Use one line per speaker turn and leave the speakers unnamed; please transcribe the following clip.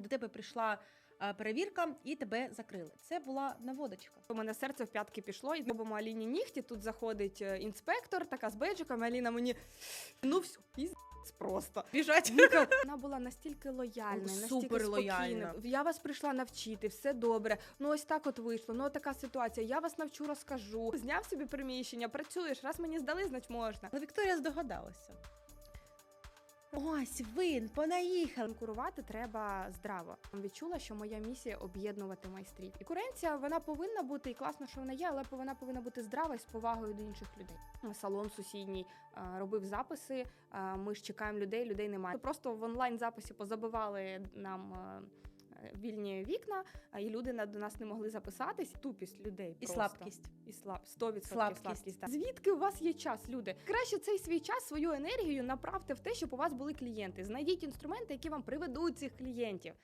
до тебе прийшла перевірка і тебе закрили. Це була наводочка.
У мене серце в п'ятки пішло, і робимо Аліні нігті, тут заходить інспектор, така з бейджиком, Аліна мені, ну все, піздець просто.
Біжать.
Вона була настільки лояльна, настільки
Супер лояльна.
спокійна. Я вас прийшла навчити, все добре. Ну ось так от вийшло, ну така ситуація, я вас навчу, розкажу. Зняв собі приміщення, працюєш, раз мені здали, значить можна.
Але Вікторія здогадалася. Ось він, понаїхав.
Конкурувати треба здраво. Відчула, що моя місія об'єднувати майстрів. І конкуренція, вона повинна бути, і класно, що вона є, але вона повинна бути здрава і з повагою до інших людей. Салон сусідній робив записи, ми ж чекаємо людей немає. Просто в онлайн-записі позабивали нам вільні вікна, і люди до нас не могли записатись. Тупість людей
І
просто.
слабкість.
І 100%
Слабкість.
так. Звідки у вас є час, люди? Краще цей свій час, свою енергію направте в те, щоб у вас були клієнти. Знайдіть інструменти, які вам приведуть цих клієнтів.